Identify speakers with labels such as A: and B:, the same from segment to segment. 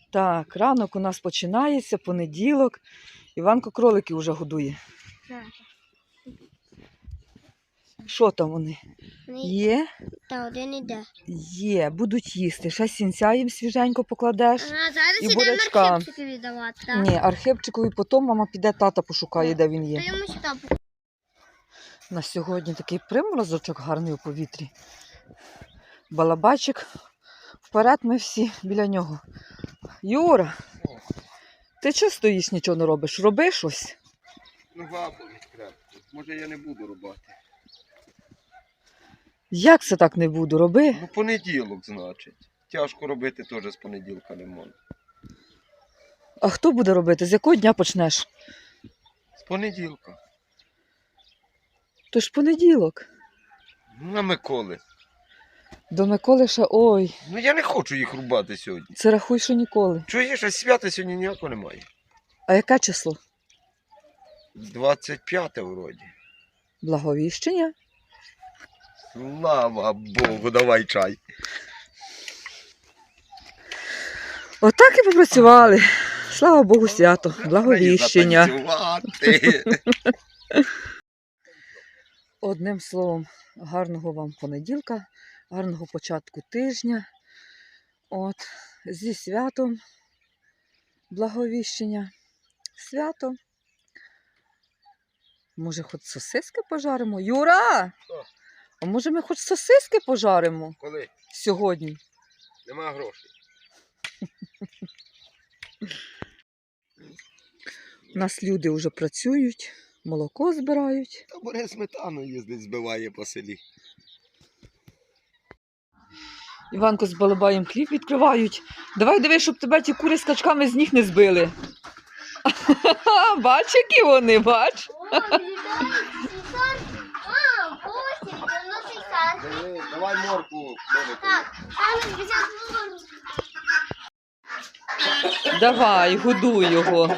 A: Так, ранок у нас починається, понеділок. Іванко кроликів вже годує. Що там вони? Є?
B: Та один іде.
A: Є, будуть їсти. Ще сінця їм свіженько покладеш.
B: А зараз
A: І
B: ідемо
A: бурячка.
B: Архипчику віддавати, так?
A: Ні, Архипчикові потім мама піде, тата пошукає, де він
B: То
A: є.
B: йому сюди.
A: На сьогодні такий приморозочок гарний у повітрі. Балабайчик. Вперед ми всі біля нього. Юра, ти чого стоїш, нічого не робиш? Роби щось.
C: Нога болить крепко. Може я не буду рубати.
A: Як це так не буду? Роби.
C: Ну понеділок, значить. Тяжко робити теж з понеділка не можна.
A: А хто буде робити? З якого дня почнеш?
C: З понеділка.
A: То ж понеділок.
C: На Миколи.
A: До Миколи ще, ой,
C: Ну я не хочу їх рубати сьогодні.
A: це рахуй, що ніколи.
C: Чуєш, а свята сьогодні ніякого немає.
A: А яке число?
C: 25 вроді.
A: Благовіщення?
C: Слава Богу, давай чай.
A: Отак і попрацювали. Слава Богу, свято, благовіщення.
C: Затанцювати.
A: Одним словом, гарного вам понеділка, гарного початку тижня. От, зі святом, благовіщення. Свято. Може, хоч сосиски пожаримо? Юра!
C: Що?
A: А може ми хоч сосиски пожаримо
C: Коли?
A: сьогодні?
C: Нема грошей.
A: У нас люди вже працюють, молоко збирають.
C: Та бере сметану їздить, збиває по селі.
A: Іванко з Балабаєм хліб відкривають. Давай дивись, щоб тебе ті кури з качками з ніг не збили. Бач, які вони, бач?
C: Давай морку.
A: Давай, годуй його.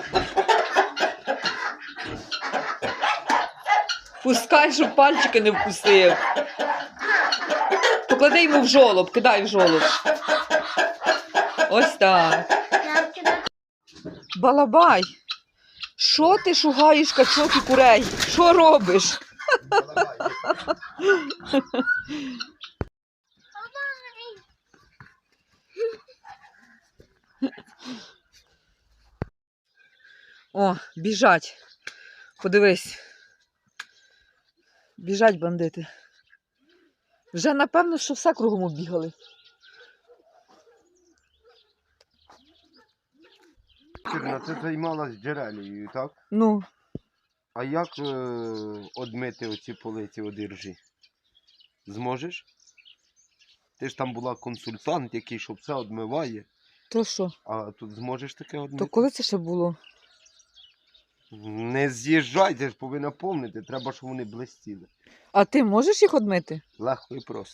A: Пускай, щоб пальчики не вкусив. Поклади йому в жолоб, кидай в жолоб. Ось так. Балабай, що ти шугаєш качок і курей? Що робиш? О, біжать. Подивись. Біжать бандити. Вже напевно, що все кругом оббігали.
C: Чорна, ти займалась джерелією, так?
A: Ну,
C: А як одмити оці полиці одержі? Зможеш? Ти ж там була консультант, який що все одмиває.
A: то що?
C: А тут зможеш таке одмити?
A: То коли це ще було?
C: Не з'їжджай, ти ж повинна помнити. Треба, щоб вони блистіли.
A: А ти можеш їх одмити?
C: Легко і просто.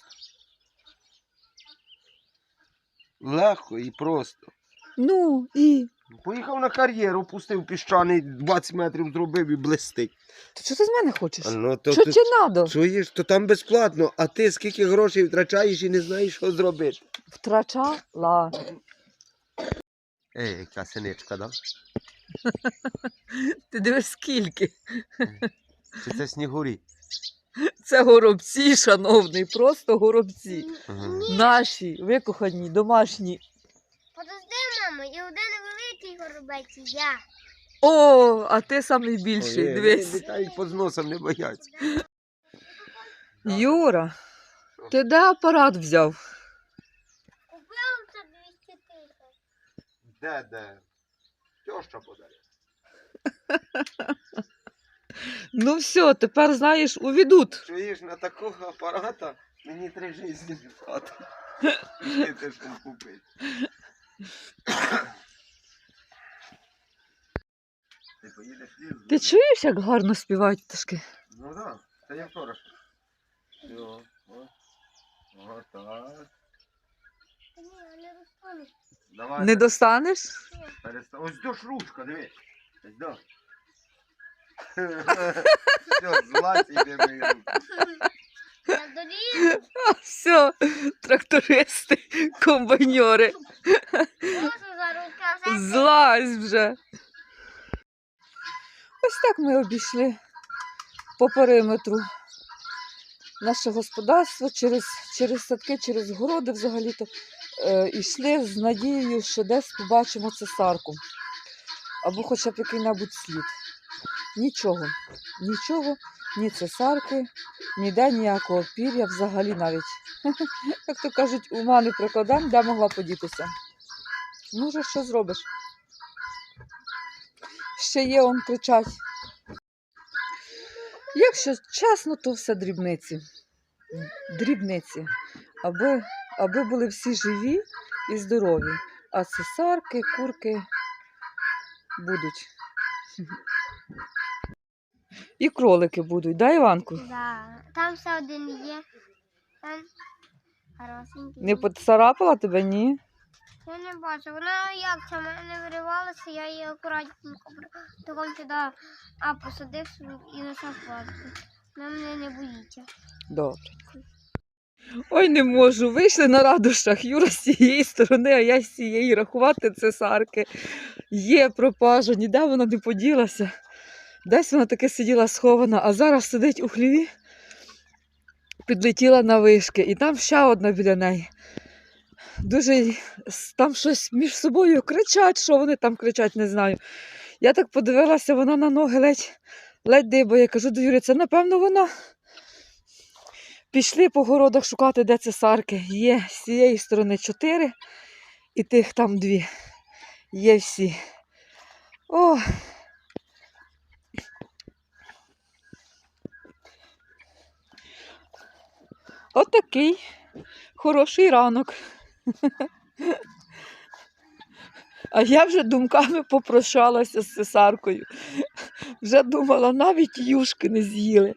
C: Легко і просто.
A: Ну, і?
C: Поїхав на кар'єру, пустив піщаний, 20 метрів зробив і блистить.
A: То що ти з мене хочеш?
C: Ну, то
A: Що
C: ти
A: тобі треба?
C: чуєш, то там безплатно, а ти скільки грошей втрачаєш і не знаєш, що зробити.
A: Втрачала.
C: Ей, яка синичка, да?
A: Ти дивись скільки.
C: Чи це снігурі?
A: Це горобці, шановний, просто горобці.
C: Ага.
A: Наші, викохані, домашні.
B: Подожди, мамо, і один великий горобець, і я.
A: О, а ти самий більший, дивись.
C: Літають під носом, не бояться.
A: Юра, ти де апарат взяв?
B: Купив за 200 тисяч.
C: Де? Тьоща подарує.
A: Ну все, тепер, знаєш, уведуть.
C: Чуєш, на такого апарата мені 3 житті не хватить. Ти ж там купити. Ти поїдеш в ліс?
A: Ти чуєш, як гарно співають пташки?
C: Ну так, це я вчора. Все, о, так.
B: Ні, я не розповім.
C: Давай.
A: Не достанеш?
C: Ось до ж ручка, дивись. Ось до. Все, злазь і йде мої руки.
B: Я доріг.
A: Все, трактористи, комбайньори.
B: Можу за руками.
A: Злазь вже. Ось так ми обійшли по периметру наше господарство через садки, через городи взагалі-то. Йшли з надією, що десь побачимо цесарку. Або хоча б який-небудь слід. Нічого. Нічого, ні цесарки, ніде ніякого пір'я взагалі навіть. Як то кажуть, ума не прикладемо, де могла подітися. Ну вже що зробиш? Ще є, он кричать. Якщо чесно, то все дрібниці. Дрібниці. Аби були всі живі і здорові. А цесарки, курки будуть. І кролики будуть, да, Іванку?
B: Да. Там все один є. Там хорошенький.
A: Не поцарапала тебе, ні?
B: Я не бачу. Вона як сама не виривалася, я її акуратненько таком туди посадив і лишав платку. Вона мене не боїться.
A: Добре. Ой, не можу. Вийшли на радощах. Юра з цієї сторони, а я з цієї. Рахувати цесарки. Є пропажа, ніде вона не поділася. Десь вона таки сиділа схована, а зараз сидить у хліві, підлетіла на вишки. І там ще одна біля неї. Дуже там щось між собою кричать, що вони там кричать, не знаю. Я так подивилася, вона на ноги ледь дибає. Я кажу до Юрі, це напевно вона. Пішли по городах шукати, де цесарки. Є з цієї сторони 4 і тих там 2. Є всі. О! Отакий хороший ранок. А я вже думками попрощалася з цесаркою. Вже думала, навіть юшки не з'їли.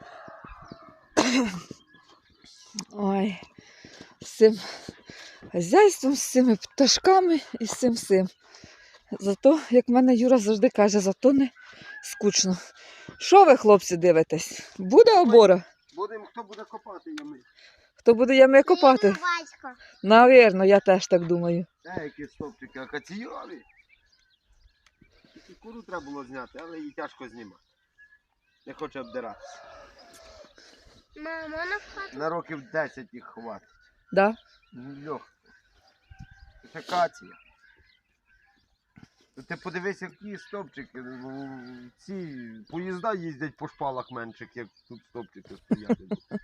A: Ой, з цим хазяйством, з цими пташками і з цим всім. Зато, як мене Юра завжди каже, зато не скучно. Що ви, хлопці, дивитесь? Буде обора?
C: Будемо, хто буде копати ями.
A: Хто буде ями копати?
B: Батько.
A: Навірно, я теж так думаю.
C: Які стовпчики акаційові. Тільки куру треба було зняти, але її тяжко знімати. Не хоче обдиратися.
B: Мама, вона в хату.
C: На років 10 їх хватить.
A: Да?
C: Легко. Це акація. Ти подивись, які стовпчики. Ці поїзда їздять по шпалах менших, як тут стовпчики стоять.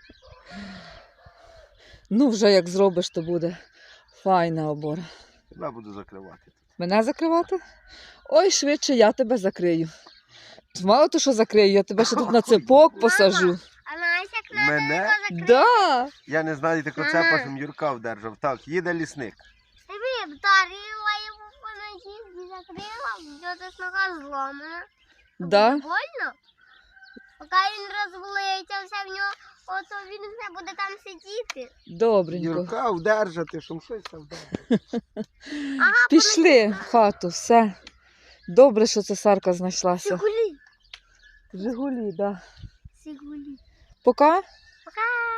A: Ну, вже як зробиш, то буде файна обора.
C: Тебе буду закривати.
A: Мене закривати? Ой, швидше я тебе закрию. Мало то, що закрию, я тебе ще тут на цепок посажу.
B: А знаєш, як надо
C: Мене?
B: його закрити?
A: Да.
C: Я не знаю, тако
B: Ага.
C: цепашем Юрка вдержав. Так, їде лісник.
B: Ти б вдарила йому по ногі, закрила, б'єте нога зломана.
A: Да.
B: Больно? Поки він розвалиться все в нього, ото він все буде там сидіти.
A: Добренько.
C: Юрка вдержати, щоб щось там вдержати.
B: Ага,
A: Пішли в хату, все. Добре, що цесарка знайшлася.
B: Сигулі.
A: Жигулі, да.
B: Сигулі.
A: Пока?
B: Пока.